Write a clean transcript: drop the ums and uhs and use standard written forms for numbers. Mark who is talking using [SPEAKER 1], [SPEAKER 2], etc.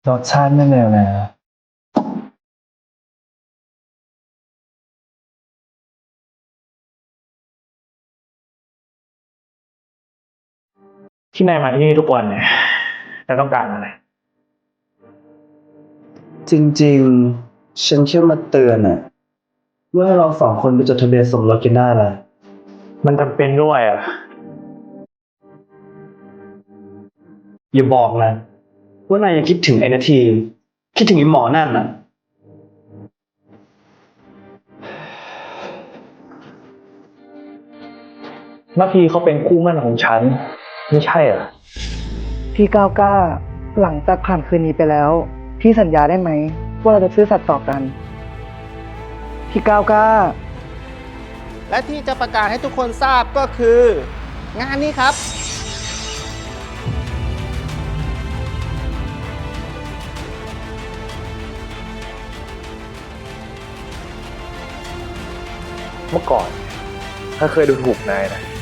[SPEAKER 1] รสชาติไม่เลวเลยนะที่นายมาที่นี่ทุกวันเนี่ยนายต้องการอะไรจริงๆฉันแค่มาเตือนอะว่าให้เราสองคนไปจดทะเบียนสมรสกันได้ละมันจำเป็นด้วยอ่ะอย่าบอกนะว่านายยังคิดถึงไอ้นาทีคิดถึงไอ้หมอนั่นน่ะนาทีเขาเป็นคู่หมั่นของฉันไม่ใช่เหรอ
[SPEAKER 2] พี่ก้าวกล้าหลังจากผ่านคืนนี้ไปแล้วพี่สัญญาได้ไหมว่าเราจะซื่อสัตย์ต่อกันพี่ก้าวกล้า
[SPEAKER 3] และที่จะประกาศให้ทุกคนทราบก็คือ งานนี้ครับ
[SPEAKER 1] เมื่อก่อนถ้าเคยดูถูกนายนะ